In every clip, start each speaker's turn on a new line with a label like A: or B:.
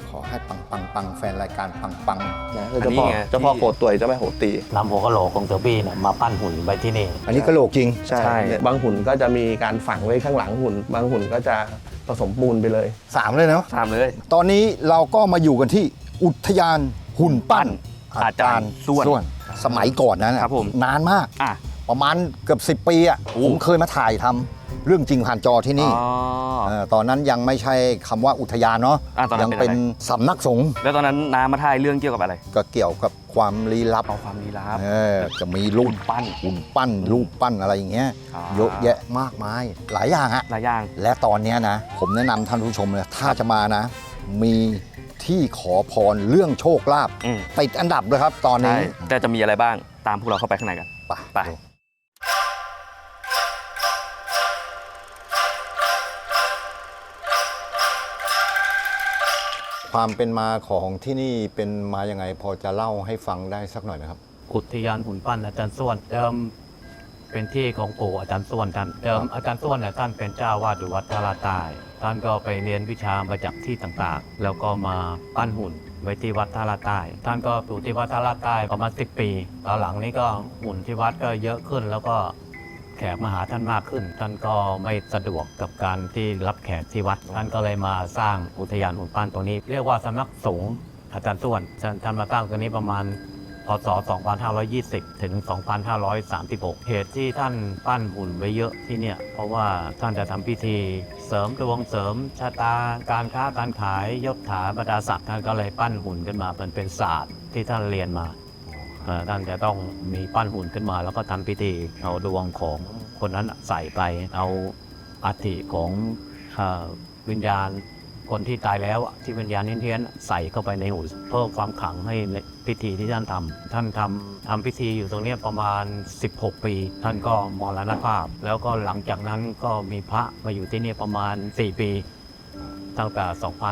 A: ขอให้ปังแฟนรายการปัง
B: นะเจ้าพ่อโคตรเจ้าแม่โหตี
C: นำหัวกะโหลกของเสือบี้เนี่ยมาปั้นหุ่นไว้ที่นี่
A: อันนี้กะโหลกจริง
B: ใช่บางหุ่นก็จะมีการฝังไว้ข้างหลังหุ่นบางหุ่นก็จะผสมปูนไปเลย
A: 3เลยเนาะ
B: ตามเลย
A: ตอนนี้เราก็มาอยู่กันที่อุทยานหุ่นปั้น
B: อาจารย์ส้วน
A: สมัยก่อนนั้นนะครับ
B: ผม
A: นานมาก
B: อ่ะ
A: ประมาณเกือบ10 ปีอ่ะผมเคยมาถ่ายทำเรื่องจริงผ่านจอที่นี่ตอนนั้นยังไม่ใช่คำว่าอุทยานเนาะ
B: ตอนนั้น
A: ยังเป็นสำนักสงฆ์
B: แล้วตอนนั้นน้ามาถ่ายเรื่องเกี่ยวกับอะไร
A: ก็เกี่ยวกับความลี้ลับ
B: เอาความลี้ลับ
A: จะมีรูป
B: ปั้น
A: หุ่นปั้นรูปปั้นอะไรอย่างเงี้ย
B: อ่า
A: เยอะแยะมากมายหลายอย่างฮะ
B: หลายอย่าง
A: และตอนเนี้ยนะ ผมแนะนำท่านผู้ชมเลยถ้าจะมานะ มีที่ขอพรเรื่องโชคลาภ
B: อืม
A: ติดอันดับเลยครับตอน
B: ใช่
A: นี้
B: แต่จะมีอะไรบ้างตามพวกเราเข้าไปข้างในกัน
A: ไป ความเป็นมาของที่นี่เป็นมาอย่างไงพอจะเล่าให้ฟังได้สักหน่อยไหมครับ
C: อุทยานหุ่นปั้นอาจารย์ส้วนเดิมเป็นที่ของปู่อาจารย์ส้วนท่านเดิมอาจารย์ส้วนเนี่ยท่านเป็นเจ้าวาดอยู่วัดทาราใต้ท่านก็ไปเรียนวิชามาจากที่ต่างๆ แล้วก็มาปั้นหุ่นไว้ที่วัดทาราใต้ท่านก็อยู่ที่วัดทาราใต้ประมาณ10 ปีตอนหลังนี้ก็หุ่นที่วัดก็เยอะขึ้น แล้วก็แขกมาหาท่านมากขึ้น ท่านก็ไม่สะดวกกับการที่รับแขกที่วัดท่านก็เลยมาสร้างอุทยานหุ่นปั้นตรงนี้ เรียกว่าสำนักสงฆ์อาจารย์ส้วนท่านมาตั้งตรงนี้ประมาณพศ 2520 ถึง 2536 เหตุที่ท่านปั้นหุ่นไว้เยอะที่เนี่ยเพราะว่าท่านจะทำพิธีเสริมดวงเสริมชะตาการค้าการขายยศถาบรรดาศักดิ์ท่านก็เลยปั้นหุ่นขึ้นมาเป็นศาสตร์ที่ท่านเรียนมาท่านจะต้องมีปั้นหุ่นขึ้นมาแล้วก็ทำพิธีเอาดวงของคนนั้นใส่ไปเอาอัฐิของวิญญาณคนที่ตายแล้วที่วิญญาณเฮี้ยนๆใส่เข้าไปในหุ่นเพิ่มความขลังให้ในพิธีที่ท่านทำพิธีอยู่ตรงนี้ประมาณ16 ปีท่านก็มรณภาพแล้วก็หลังจากนั้นก็มีพระมาอยู่ที่นี่ประมาณ4 ปีตั้งแต่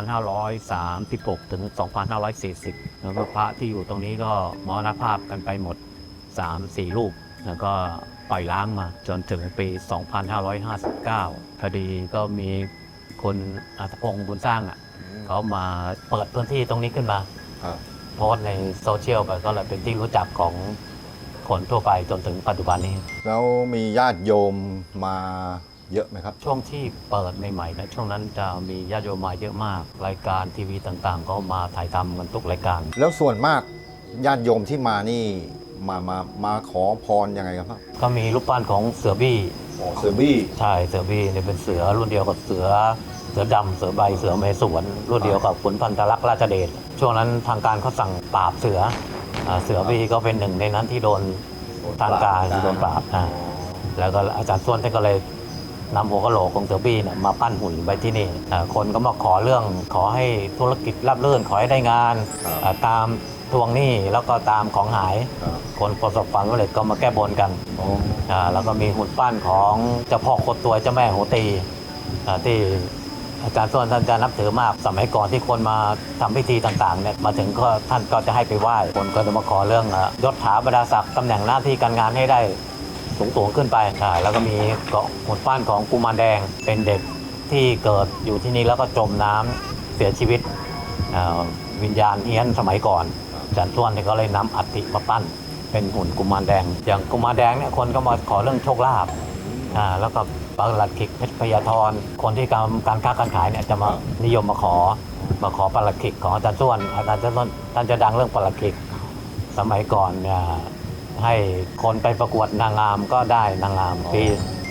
C: 2536 ถึง 2540 แล้วก็พระที่อยู่ตรงนี้ก็มรณภาพกันไปหมด 3-4 รูปแล้วก็ปล่อยล้างมาจนถึงปี 2559 พอดีก็มีคุณอัธพงศ์บุญสร้างเขามาเปิดพื้นที่ตรงนี้ขึ้นมาโพสต์ในโซเชียลไปก็เลยเป็นที่รู้จักของคนทั่วไปจนถึงปัจจุบันนี้
A: แล้วมีญาติโยมมาเยอะไหมครับ
C: ช่วงที่เปิดใหม่ๆนะช่วงนั้นจะมีญาติโยมมาเยอะมาก รายการทีวีต่างๆ ก็มาถ่ายทำกันทุกรายการ
A: แล้วส่วนมากญาติโยมที่มานี่มาขอพรยังไงครับ
C: ก็มีรูปปั้นของเสือบี้
A: เสือบี้
C: ใช่เสือบี้เนี่ยเป็นเสือรุ่นเดียวกับเสือดำเสือใบเสือเมสวนรุ่นเดียวกับขุนพันธลักษณ์ราชเดชช่วงนั้นทางการเขาสั่งปราบเสือบี้ก็เป็นหนึ่งในนั้นที่โดนทางการโดนปราบแล้วก็อาจารย์ส้วนท่านก็เลยนำหัวกะโหลกของเสือบี้เนี่ยมาปั้นหุ่นไว้ที่นี่คนก็มาขอเรื่องขอให้ธุรกิจราบรื่นขอให้ได้งานตามทวงหนี้แล้วก็ตามของหายคนประสบความสำเร็จก็มาแก้บนกันแล้วก็มีหุ่นปั้นของเจ้าพ่อโคตรตัวเจ้าแม่โหตีที่อาจารย์ส้วนท่านจะนับถือมากสมัยก่อนที่คนมาทำพิธีต่างๆเนี่ยมาถึงก็ท่านก็จะให้ไปไหว้คนก็จะมาขอเรื่องยศถาบรรดาศักดิ์ตำแหน่งหน้าที่การงานให้ได้สูงขึ้นไปแล้วก็มีหุ่นปั้นของกุมารแดงเป็นเด็กที่เกิดอยู่ที่นี่แล้วก็จมน้ำเสียชีวิตวิญญาณเฮี้ยนสมัยก่อนอาจารย์ส้วนก็เลยนำอัฐิมาปั้นเป็นหุ่นกุมารแดงอย่างกุมารแดงเนี่ยคนก็มาขอเรื่องโชคลาภแล้วก็ปลัดขิกเพชรพยาธรคนที่การค้าการขายเนี่ยจะมานิยมมาขอปลัดขิกของอาจารย์ส้วนท่านจะดังเรื่องปลัดขิกสมัยก่อนเนี่ยให้คนไปประกวดนางงามก็ได้นางงามปี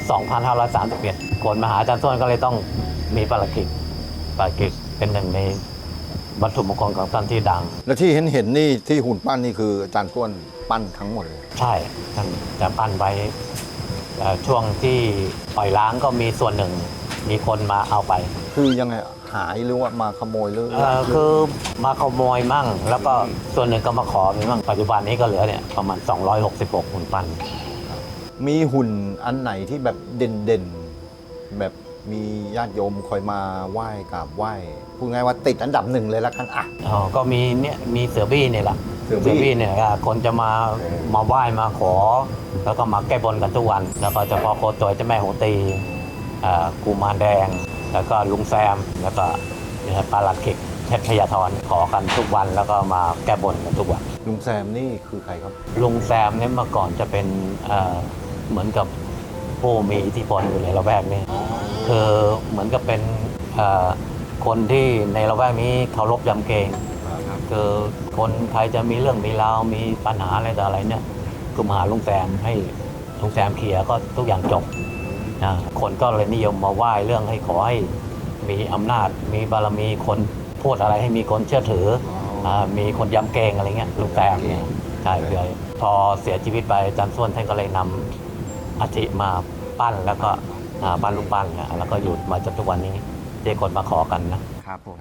C: 2531 คนมาหาอาจารย์ส้วนก็เลยต้องมีปลัดขิกเป็นหนึ่งในวัตถุมงคลของท่านที่ดัง
A: และที่เห็นนี่ที่หุ่นปั้นนี่คืออาจารย์ส้วนปั้นทั้งหมดเลย
C: ใช่ท่านจะปั้นไว้ช่วงที่ปล่อยล้างก็มีส่วนหนึ่งมีคนมาเอาไป
A: คือยังไงหายหรือว่ามาขโมยหรือ
C: คือมาขโมยมั่งแล้วก็ส่วนหนึ่งก็มาขอมีมั่งปัจจุบันนี้ก็เหลือเนี่ยประมาณ266หุ่นปั้น
A: มีหุ่นอันไหนที่แบบเด่นแบบมีญาติโยมคอยมาไหว้กราบไหว้พูดง่ายว่าติดอันดับ1เลยละกัน
C: ก็มีเสือบี้เนี่ยแหละ
A: เสือบี้
C: เนี่ยคนจะมาไหว้มาขอแล้วก็มาแก้บนกันทุกวันแล้วก็เฉพาะโคตรเจ้าแม่โหตีกุมารแดงแล้วก็ลุงแซมแล้วก็ปลาหลัดขิกเช็ดพยาธรขอกันทุกวันแล้วก็มาแก้บนกันทุกวัน
A: ลุงแซมนี่คือใครครับ
C: ลุงแซมเนี่ยเมื่อก่อนจะเป็นเหมือนกับผู้มีอิทธิพลอยู่ในละแวกนี้คือเหมือนกับเป็นคนที่ในละแวกนี้เคารพยำเกรงคือคนใครจะมีเรื่องมีราวมีปัญหาอะไรต่ออะไรเนี่ยก็มาหาลุงแซมให้ลุงแซมเคลียร์ก็ทุกอย่างจบคนก็เลยนิยมมาไหว้เรื่องให้ขอให้มีอำนาจมีบารมีคนพูดอะไรให้มีคนเชื่อถือมีคนยำเกรงอะไรเงี้ยลุงแซมเนี่ยใช่เลยพอเสียชีวิตไปอาจารย์ส้วนท่านก็เลยนำอัฐิมาปั้นแล้วก็ปั้นรูปปั้นเนี่ยแล้วก็อยู่มาจนทุกวันนี้ที่คนมาขอกันนะครับ
D: ผม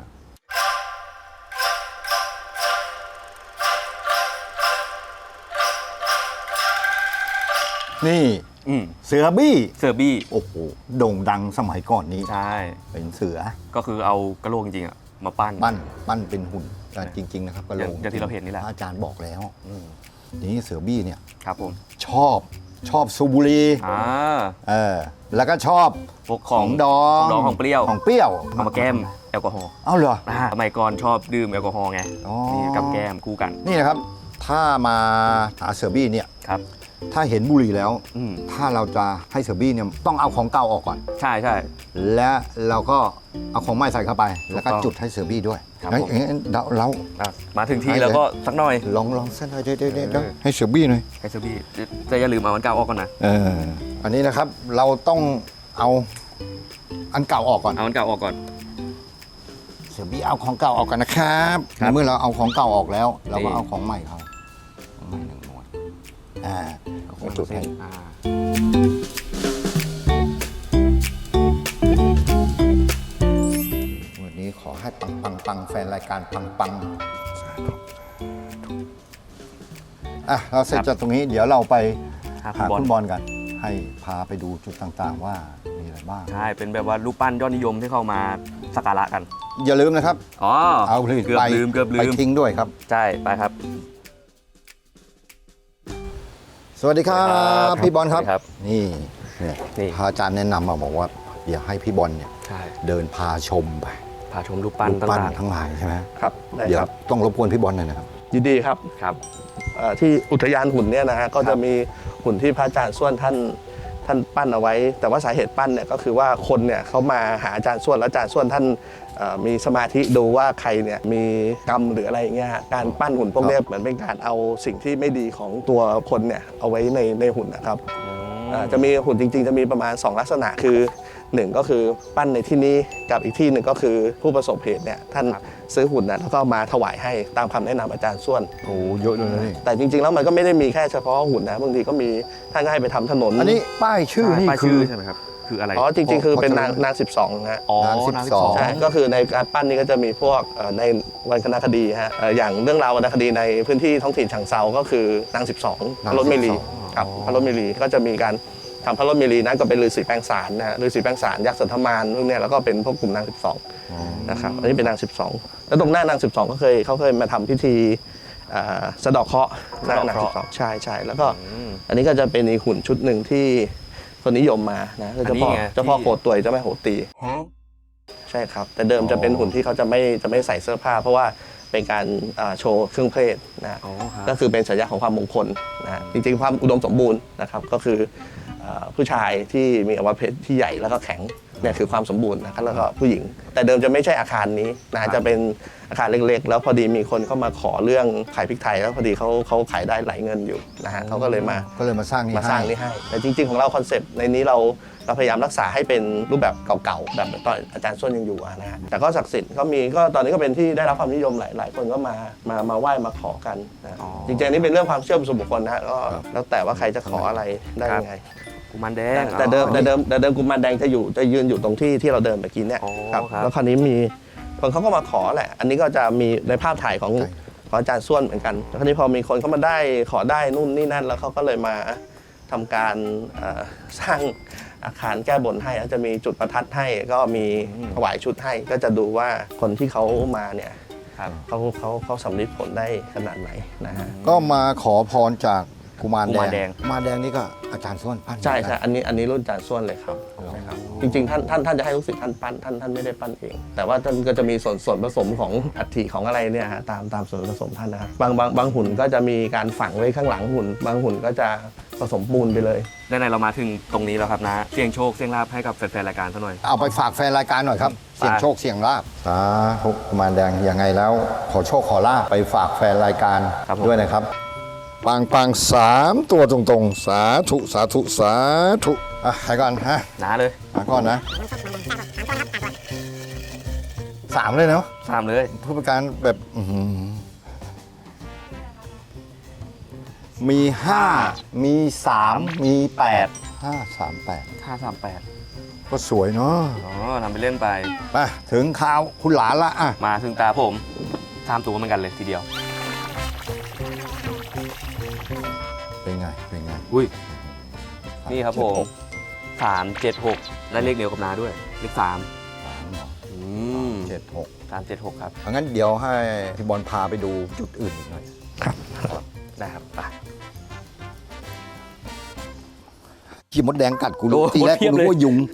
A: นี่
D: อืม
A: เสือบี้
D: เซอร์บี้
A: โอ้โหโด่งดังสมัยก่อนนี้
D: ใช่
A: เป็นเสือ
D: ก็คือเอากระโหลกจริงๆอะมาปั้น
A: ปั้นเป็นหุ่นจริง ๆ นะครับกระโหลก
D: อย่างที่เราเห็นนี่แหละ
A: อาจารย์บอกแล้วทีนี้เสือบี้เนี่ย
D: ครับผม
A: ชอบสูบบุหรี่ แล้วก็ชอบ
D: พวกของ
A: ดอง
D: ของเปรี้ยว
A: ของเปรี้ยว
D: เอามาแก้มแอลกอฮอล์
A: เอ้าเหรอ
D: สมัยก่อนชอบดื่มแอลกอฮอล์ไง
A: อ๋อ
D: นี่กับแก้มคู่กัน
A: นี่นะครับ ถ้ามาหาเสือบี้เนี่ย
D: ครับ
A: ถ้าเห็นบุหรี่แล้ว
D: อืม
A: ถ้าเราจะให้เสือบี้เนี่ยต้องเอาของเก่าออกก่อน
D: ใช่ใช่
A: และเราก็เอาของใหม่ใส่เข้าไป แล้วก็
D: ถูกต้อง
A: จุดให้เสือบี้ด้วย
D: ครับ
A: เฮ้ย
D: ผม
A: เรา
D: อ่ะมาถึงที่แล้วก็สักหน่อย
A: ลองเส้นหน่อยเดี๋ยวให้เสือบี้หน่อย
D: ไอเซอร์บี้จะอย่าลืมเอามันเก่าออกก่อนนะ
A: อันนี้นะครับเราต้องเอาอันเก่าออกก่อน
D: เอามันเก่าออกก่อน
A: เสือบี้เอาของเก่าออกกันนะครับ
D: ครับ
A: เมื่อเราเอาของเก่าออกแล้ว เราก็เอาของใหม่เขาของใหม่หนึ่งหน่วยเอาจุดให้ วันนี้ขอให้ปังแฟนรายการปังเราเสร็จจากตรงนี้เดี๋ยวเราไปหาคุณบอลกัน ให้พาไปดูจุดต่างๆว่ามีอะไรบ้าง
D: ใช่เป็นแบบว่ารูปปั้นยอดนิยมที่เข้ามาสักการะกัน
A: อย่าลืมนะครับ
D: อ๋อ
A: เอาผลิต
D: เกือบ
A: ไป
D: ลืม
A: ไปทิ้งด้วยครับ
D: ใช่ไปครับ
A: สวัสดีครับ พี่บอลครับ
D: สวัสดีครับ
A: นี่เนี่ย
D: นี่
A: พระอาจารย์แนะนำมาบอกว่าเดี๋ยวให้พี่บอลเนี่ย
D: ใช่
A: เดินพาชมไป
D: พาชมรูปปั้น
A: รูปปั้น
D: ต่าง
A: ทั้งหลายใช่ไหม
B: ครับได้
A: เดี๋ยว
B: ครับ
A: ต้องรบกวนพี่บอลหน่อยนะครับ
B: ยินดีครับ
D: ๆครับ
B: ที่อุทยานหุ่นเนี่ยนะฮะก็จะมีหุ่นที่พระอาจารย์ส้วนท่านปั้นเอาไว้ แต่ว่าสาเหตุปั้นเนี่ยก็คือว่าคนเนี่ยเขามาหาอาจารย์ส้วนแล้วอาจารย์ส้วนท่านมีสมาธิดูว่าใครเนี่ยมีกรรมหรืออะไรอย่างเงี้ยฮะการปั้นหุ่นพวกเนี้ยเหมือนเป็นการเอาสิ่งที่ไม่ดีของตัวคนเนี่ยเอาไว้ในหุ่นนะครับจะมีหุ่นจริงๆจะมีประมาณ 2 ลักษณะคือ 1 ก็คือปั้นในที่นี้กับอีกที่หนึ่งก็คือผู้ประสบเหตุเนี่ยท่านซื้อหุ่นนะแล้วก็มาถวายให้ตามคำแนะนำอาจารย์ส้วน
A: โอ้เยอะเลยนะนี่
B: แต่จริงๆ แล้วมันก็ไม่ได้มีแค่เฉพาะหุ่นนะบางทีก็มีท่านก็ให้ไปทำถนน
A: อันนี้ป้ายชื่อนี่
D: ป้าย
A: คื
D: ชื่
A: อ
D: ใช่ไหมครับ คืออะไร
B: อ๋อจริงๆ คือเป็น
A: พอจะรู้
B: นาง12นะฮะ
D: อ๋อน
A: าง
D: นาง
A: 12
B: ใช่ก็คือในการปั้นนี้ก็จะมีพวกในวรรณคดีฮะอย่างเรื่องราววรรณคดีในพื้นที่ท้องถิ่นฉางเซาก็คือนาง12พระรถเมลีครับพระรถเมลีก็จะมีการทำพระรถเมลีนั้นก็เป็นฤาษีแปลงสารนะฮะฤาษีแปลงสารยักษ์สันธมารพวกเนี้ยแล้วก็เป็นพวกกลุ่มนาง12นะครับอันนี้เป็นนาง12แล้วตรงหน้านาง12ก็เขาเคยมาทำพิธีสะเดาะเคราะห์หน้านาง12ใช่แล้วก็อันนี้ก็จะเป็นอีกหุ่นชุดหนึ่งที่คนนิยมมานะคือเจ้าพ่อโคตรวยเจ้าแม่โหตีใช่ครับแต่เดิมจะเป็นหุ่นที่เขาจะไม่ใส่เสื้อผ้า เพราะว่าเป็นการโชว์เครื่องเพศนะ
D: อ๋อครับ
B: ก็คือเป็นสัญลักษณ์ของความมงคลนะจริงๆความอุดมสมบูรณ์นะครับก็คือผู้ชายที่มีอวัยวะเพศที่ใหญ่แล้วก็แข็งเนี่ยคือความสมบูรณ์นะครับแล้วก็ผู้หญิง แต่เดิมจะไม่ใช่อาคารนี้นะจะเป็นอาคารเล็กๆ แล้วพอดีมีคนเข้ามาขอเรื่องขายพริกไทยแล้วพอดีเขาขายได้หลายเงินอยู่นะฮะเขาก็เลยมา
A: มาสร้างนี่
B: มาสร้างนี่ให้แต่จริงๆของเราคอนเซปต์ในนี้เราพยายามรักษาให้เป็นรูปแบบเก่าๆแบบตอนอาจารย์ส้วนยังอยู่นะฮะแต่ก็ศักดิ์สิทธิ์ก็มีก็ตอนนี้ก็เป็นที่ได้รับความนิยมหลายคนก็มาไหว้มาขอกันนะ
D: อ๋อ
B: จริงๆอันนี่เป็นเรื่องความเชื่อส่วนบุคคลนะฮะก็แล้วแต่ว่าใครจะขออะไรได้ยังไง
D: กุมารแดง
B: แต่เดิมกุมารแดงจะยืนอยู่ตรงที่เราเดินเมื่อกี้เนี่ย
D: อ๋อ
B: ครับ
D: ครับ
B: แล้วคราวนี้มีคนเขาก็มาขอแหละ อันนี้ก็จะมีในภาพถ่ายของอาจารย์ส้วนเหมือนกันแล้วคราวนี้พอมีคนเขามาได้ขอได้นู่นนี่นั่นแล้วเขาก็เลยมาทำการสร้างอาคารแก้บนให้แล้วจะมีจุดประทัดให้ก็มีถวายชุดให้ก็จะดูว่าคนที่เขามาเนี่ย
D: ครับ
B: เขาสำลิดผลได้ขนาดไหนนะฮะ
A: ก็มาขอพรจากกุมาร
D: กุมารแดง
A: กุมารแดงนี่ก็อาจารย์ส้วนปั้น
B: ใช่อันนี้รุ่นอาจารย์ส้วนเลยครับ
A: ใช่ครับ
B: จริงๆท่านจะให้ลูกศิษย์ท่านปั้นท่านไม่ได้ปั้นเอง แต่ว่าท่านก็จะมีส่วนผสมของอัฐิของอะไรเนี่ยฮะตามส่วนผสมท่านนะครับบางหุ่นก็จะมีการฝังไว้ข้างหลังหุ่นบางหุ่นก็จะผสมปูนไปเลย
D: ด้านในเรามาถึงตรงนี้แล้วครับนะเสี่ยงโชคเสี่ยงลาภให้กับแฟนๆรายการซะหน่อย
A: เอาไปฝากแฟนรายการหน่อยครับ เสี่ยงโชคเสี่ยงลาบสาธุกุมารแดงยังไงแล้วขอโชคขอลาบไปฝากแฟนรายการ
D: ครับผม
A: ด้วยนะครับปัง3 ตัวตรงๆ สาธุสาธุสาธุอ่ะใครก่อนฮะ
D: นะเลย
A: มาก่อนนะ3เลยเนาะ
D: 3เลย
A: ผู้ประการแบบมี 5 มี 3 มี 8 5 3 8
D: 538
A: ก็สวยเนาะ
D: อ๋อทำไปเล่นไป
A: มาถึงข่าวคุณหลานละอ่ะ
D: มาถึงตาผม3ตัวเหมือนกันเลยทีเดียว
A: เป็นไง เป็นไง
D: อุ้ยนี่ครับผม376และเลขเดียวกับนาด้วยเลข3อืม
A: 7 6
D: 376ครับ
A: งั้นเดี๋ยวให้พี่บอลพาไปดูจุดอื่นอีกหน่อย
D: ได้ครับไป
A: ขี้มดแดงกัดกูรู้
D: โอ้
A: ทีแรก
D: เพี
A: กู
D: ยบเลย
A: รู้ว่ายุง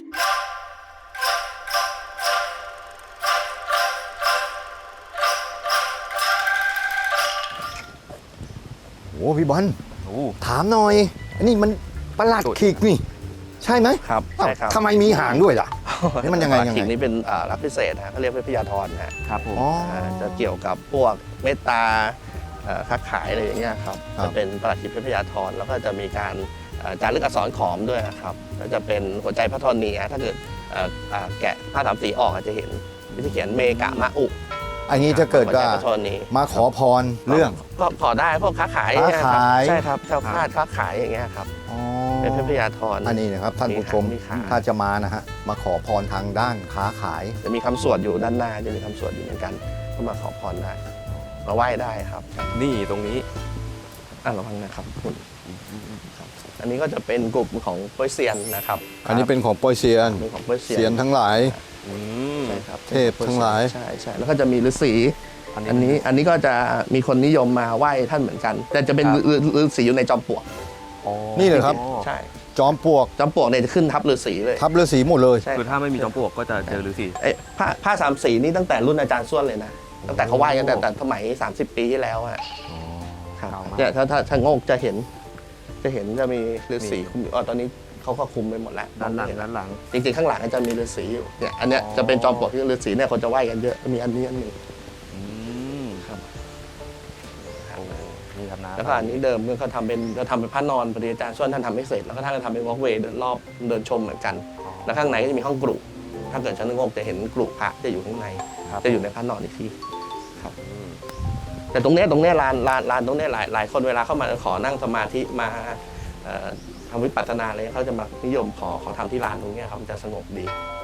A: โอ้พี่บอล
D: โอ้
A: ถามหน่อย อันนี้มันประหลาดขีกนี่ ใช่ไหม
B: ครับ
A: อ้าว
B: ใช่ครับ
A: ทำไมมีหางด้วยล่ะ นี่มันยังไง
B: ปลาขิงนี่เป็นรับพิเศษนะเขาเรียกว่าพยาธรนะฮะ
D: ครับผม
A: อ๋อ
B: จะเกี่ยวกับพวกเมตตาค้าขายอะไรอย่างเงี้ยครับ
A: ครับ
B: จะเป็นประหลัดขิกเพชรพยาธรแล้วก็จะมีการจารึกอักษรขอมด้วยนะครับแล้วจะเป็นหัวใจพระธรณีถ้าเกิดแกะผ้าสามสีออกอาจจะเห็นวิธีเขียนเมกะมะอุ
A: อันนี้จะเกิด
B: หัวใจ
A: ว่า
B: พระธรณี
A: มาขอพรเรื่อง
B: ก็ขอได้พวกค้าขาย
A: ค้าขาย
B: ใช่ครับแคล้วคลาดค้าขายอย่างเงี้ยครับ
A: อ๋อ
B: เป็นเพชรพยาธร
A: อันนี้นะครับท่านผู้ชม
B: มีขา
A: ถ้าจะมานะฮะ มาขอพรทางด้านค้าขาย
B: จะมีคำสวดอยู่ด้านหน้าจะมีคำสวดอยู่เหมือนกันก็มาขอพรได้มาไหว้ได้ครับ
D: นี่ตรงนี้
B: ระวังนะครับคุณครับอันนี้ก็จะเป็นกลุ่มของโป้ยเซียนนะครับ
A: อันนี้เป็นของโปรยเซียน
B: เป็นของโป้ยเซียน
A: เซียนทั้งหลาย
D: อืม
B: ใช่ครับ
A: เทพทั้งหลาย
B: ใช่ใช่แล้วก็จะมีฤาษีอันนี้ก็จะมีคนนิยมมาไหว้ท่านเหมือนกัน แต่จะเป็นฤาษีอยู่ในจอมปลวก
D: อ๋อ
A: นี่เหรอครับ
B: ใช่
A: จอมปลวก
B: จอมปลวกเนี่ยจะขึ้นทับฤาษีเลย
A: ทับฤาษีหมดเลย
B: ใช่
D: คือถ้าไม่มีจอมปลวกก็จะเจอฤาษี
B: ไอ้ผ้าสามสีนี่ตั้งแต่รุ่นอาจารย์ส้วนเลยนะตั้งแต่เขาไหว้กันแต่สมัย 30 ปีที่แล้วอะครับ
D: เก่ามาก
B: เนี่ยถ้าโงกจะเห็นจะมีฤาษีคุมอยู่ตอนนี้เขาก็คุมไปหมดแล้ว
D: ด้านหลัง
B: มองไม่เน
D: ด้านหลัง
B: จริงๆข้างหลังก็จะมีฤาษีอยู่เนี่ยอันเนี้ย
D: อ๋อ
B: จะเป็นจอมปลวกที่ฤาษีเนี่ยคนจะไหว้กันเยอะมีอันนี้อันหนึ่ง
D: อืม
B: ครับ
D: โอ้นี่ครับนะ
B: แล้วก็อันนี้เดิมก็ทำเป็นพระนอนปฏิอาจารย์ส่วนท่านทำไม่เสร็จแล้วก็ท่านก็ทำเป็นวอล์กเวย์เดินรอบเดินชมเหมือนกัน แล้วข้างในก็จะมีห้องกรุถ้าเกิดชั้นงกจะเห็นกรุพระจะอยู่ข้างใน
D: ครับ
B: จะอยู่ในพระนอนอีกทีครับแต่ตรงเนี้ยลานตรงเนี้ยหลายคนเวลาเข้ามาขอนั่งสมาธิมาทำวิปัสสนาอะไรเขาจะมานิยมขอทำที่ลานตรงเนี้ยครับมันจะสงบดี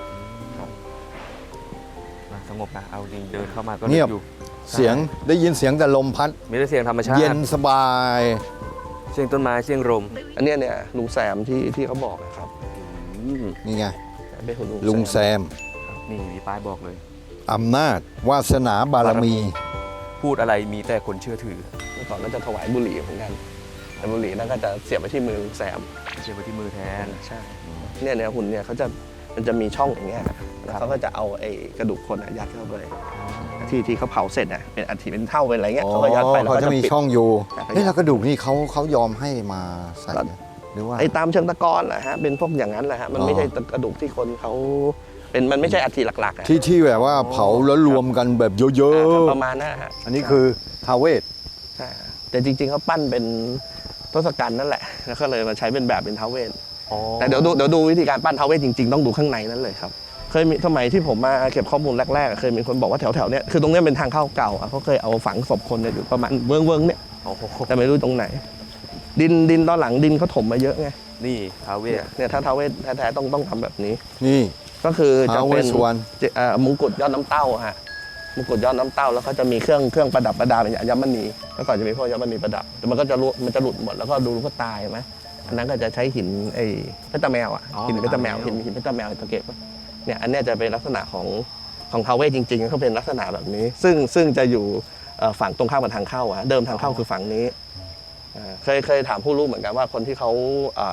D: นะสงบนะเอาจริงเดินเข้ามาก็
A: เงียบ
D: อยู่
A: เสียงได้ยินเสียงแต่ลมพัด
D: มีแต่เสียงธรรมชาติ
A: เย็นสบาย
D: เสียงต้นไม้เสียงลม
B: อันเนี้ยเนี่ยลุงแซมที่เขาบอกนะครับ
A: นี่ไง
B: เป็นหุ่น
A: ลุงแซม
D: นี่มีป้ายบอกเลย
A: อำนาจ วาสนาบารมี
D: พูดอะไรมีแต่คนเชื่อถือ
B: เมื่อก่อนก็จะถวายบุหรี่เหมือนกันแต่บุหรี่นั่นก็จะเสียบไปที่มือลุงแซม
D: เชื่อไปที่มือแทน
B: ใช่เนี่ยหุ่นเนี่ยมันจะมีช่องอย่างเงี้ยแล้วเขาก็จะเอาไอ้กระดูกคนยัดเข้าไปที่เขาเผาเสร็จเป็นอัฐิเป็นเท่าเป็นอะไรเงี้ยเขาก็ยัดไปแล้ว
A: เขา
B: ก็
A: จะ
B: จะ
A: มี
B: ปิด
A: ช่องอยู่
B: แต่ก็
A: นี่แล้วกระดูกนี่เขายอมให้มาใส่ไหมหรือว่า
B: ไอ้ตามเชิงตะกอนแหละฮะเป็นพวกอย่างนั้นแหละฮะมันไม่ใช่กระดูกที่คนเขามันไม่ใช่อัฐิหลักๆอะ
A: ที่แบบว่าเผาแล้วรวมกันแบบเยอะ
B: ประมาณนั้นฮะ
A: ๆ อันนี้คือทาวเวศ
B: ใช่ฮะแต่จริงๆเขาปั้นเป็นทศกัณฐ์นั่นแหละแล้วก็เลยมาใช้เป็นแบบเป็นท้าวเวส แต่เดี๋ยวดูวิธีการปั้นท้าวเวสจริงๆต้องดูข้างในนั้นเลยครับเคยมีสมัยที่ผมมาเก็บข้อมูลแรกๆเคยมีคนบอกว่าแถวๆเนี้ยคือตรงเนี้ยเป็นทางเข้าเก่าเขาเคยเอาฝังศพคนเนี่ยอยู่ประมาณเวิ้งๆเนี่ย
D: โอ้โห
B: แต่ไม่รู้ตรงไหน ดินตอนหลังดินเขาถมมาเยอะไง
D: นี่ท้าวเวส
B: เนี่ยถ้าท้าวเวสแท้ๆต้องทำแบบนี้
A: นี่
B: ก็คือจะ
A: ท้าวเว
B: เป็
A: ส
B: น
A: สุวรรณ
B: มงกุฎยอดน้ำเต้าฮะมงกุฎยอดน้ำเต้าแล้วเขาจะมีเครื่องประดับประดาเป็นอัญมณีแล้วก่อนจะมีพวกอัญมณีประดับแต่มันก็จะหลุดหมดแล้วก็ดูก็ตายไหมอันนั้นก็จะใช้หินไอ้เพชรตาแมวอ่ะหินเพชรตาแมวหินเพชรตาแมวตะเกียบเนี่ยอันเนี้ยจะเป็นลักษณะของท้าวเวสจริงๆเขาเป็นลักษณะแบบนี้ ซึ่งจะอยู่ฝั่งตรงข้ามกับทางเข้าอะเดิมทางเข้าคือฝั่งนี้เคยถามผู้รู้เหมือนกันว่าคนที่เขา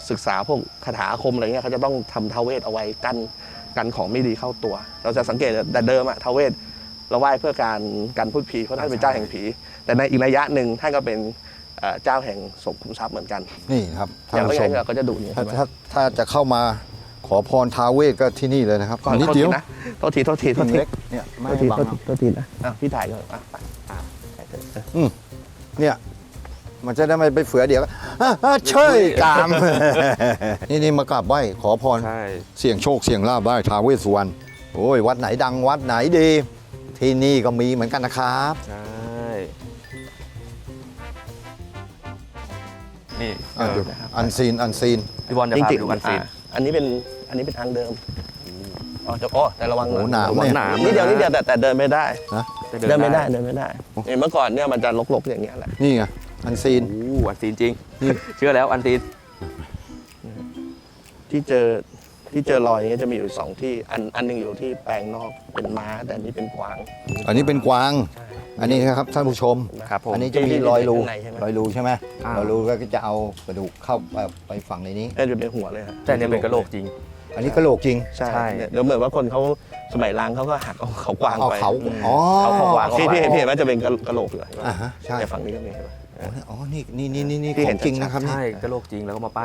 B: ศึกษาพวกคาถาอาคมอะไรเงี้ยเขาจะต้องทำท้าวเวสเอาไว้กันของไม่ดีเข้าตัว เราจะสังเกตแต่เดิมอะท้าวเวสเราไหว้เพื่อการพูดผีเพราะท่านเป็นเจ้าแห่งผี แต่ในอีกนัยยะหนึ่งท่านก็เป็นเจ้าแห่งสมขุมทรัพย์เหมือนกัน
A: นี่ครับ
B: อ
A: ท่าน
B: ย่าง
A: ผู้
B: ไม่
A: ช
B: งั้
A: ม
B: นเราก็จะดูนี่
A: ถ้า
B: ใช่ไหม
A: ถ้าจะเข้ามาขอพรท้าวเวสก็ที่นี่เลยนะครับ
B: ก่อน
A: นิด
B: โทษ
A: เดี
B: ที
A: ยว
B: นะโทษที
A: เล็กเนี่ยไม่
B: โทษ
A: ให้
B: ที
A: บังครับ
B: โทษทีนะพี่ถ่ายก่อนไป
A: เนี่ยมันจะได้ไม่ไปเฟือเดี๋ยวเชยกาม นี่มากราบไหว้ขอพร
D: ใช่
A: เสี่ยงโชคเสี่ยงลาภไหว้ท้าวเวสสุวรรณโอ้ยวัดไหนดังวัดไหนดี ที่นี่ก็มีเหมือนกันนะครับ
D: ใช่นี่
A: ดูอันซีน
D: พี่บอลจะ
B: จ
D: พา
B: ริ
D: ไป
B: ง
D: ดู
B: ๆ
D: กันซีน
B: อันนี้เป็นทางเดิมแต่ระวัง
A: โอ้หนาม
D: ระวัง
A: เนี่ย
D: หนาม
B: นิดเดียวแต่เดินไม่ได้
D: จะ
B: เดินไม่ได้เมื่อก่อนเนี่ยมันจะรกๆอย่างเงี้ยแหละ
A: นี่ไงอันซีน
D: โอ้อันซีนจริง
A: นี่
D: เชื่อแล้วอันซีน
B: ที่เจอรอยนี้จะมีอยู่สองที่อันหนึงอยู่ที่แปลงนอกเป็นม้าแต่อันนี้เป็นกวาง
A: อันนี้เป็นกวาง อันนี้ครับท่านผู้ชม
D: ครับผม
A: อันนี้จะมีรอยรู
B: ข้างในใช่ไหม
A: รอยรูใช่ไหม
D: อ่าร
A: อยรูก็จะเอากระดูกเข้าไปฝังในนี้
B: จะเป็นหัวเลยครับ
D: แต่เนี่ยเป็นกระโหลกจริง
A: อันนี้กระโหลกจริง
B: ใช่
D: ใช่
B: เดี๋ยวเหมือนว่าคนเขาสมัยล้างเขาก็หักเอาเขากวาง
A: เอา
B: ไป
A: เขาอ๋อ
D: เอาเขากวาง
B: ที่เห็นว่าจะเป็นกระโหลกอยู่
A: อ่าฮะใช่
B: แต่ฝั่งนี้ก็มีเห็นไหม
A: อ๋อนี่
B: ที่
A: ข
B: เห็
A: อน งจริงนะครับนี่
D: ใช่กระโหลกจริงแล้วก็มาปั้น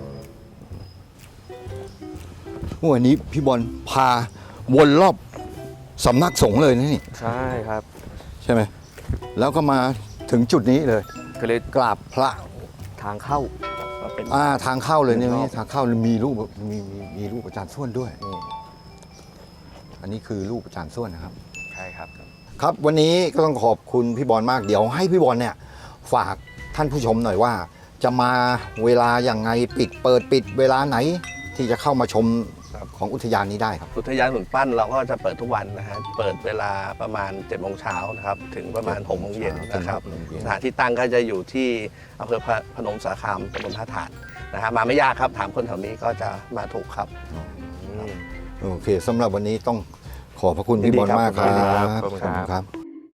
A: วันนี้พี่บอลพาวนรอบสำนักสงฆ์เลยนะนี่
D: ใช่ครับ
A: ใช่ไหมแล้วก็มาถึงจุดนี้เลย
D: ก็เลย
A: กราบพระ
D: ทางเข้า
B: ก็เป็น
A: ทางเข้าเลยเนี่ย
D: รอบ
A: นี่ทางเข้ามีรูปมีรูปอาจารย์ส้วนด้วยนี่อันนี้คือรูปอาจารย์ส้วนนะครับ
D: ใช่ครับ
A: ครับวันนี้ก็ต้องขอบคุณพี่บอลมากเดี๋ยวให้พี่บอลเนี่ยฝากท่านผู้ชมหน่อยว่า จะมาเวลาอย่างไงเปิดเวลาไหน ที่จะเข้ามาชมของอุทยานนี้ได้ครับ
B: อุทยานหุ่นปั้นเราก็จะเปิดทุกวันนะฮะเปิดเวลาประมาณ7 โมงเช้านะครับถึงประมาณ6 โมงเย็นนะครับ
A: ถึง6 โมงเย็น
B: สถานที่ตั้งก็จะอยู่ที่อำเภอพนมสารคามตำบลท่าถาดนะฮะมาไม่ยากครับถามคนแถวนี้ก็จะมาถูกครับ
A: โอเคสำหรับวันนี้ต้องขอบพระคุณพี่บอลมากครับ
D: ขอบคุณครับ
A: ครับ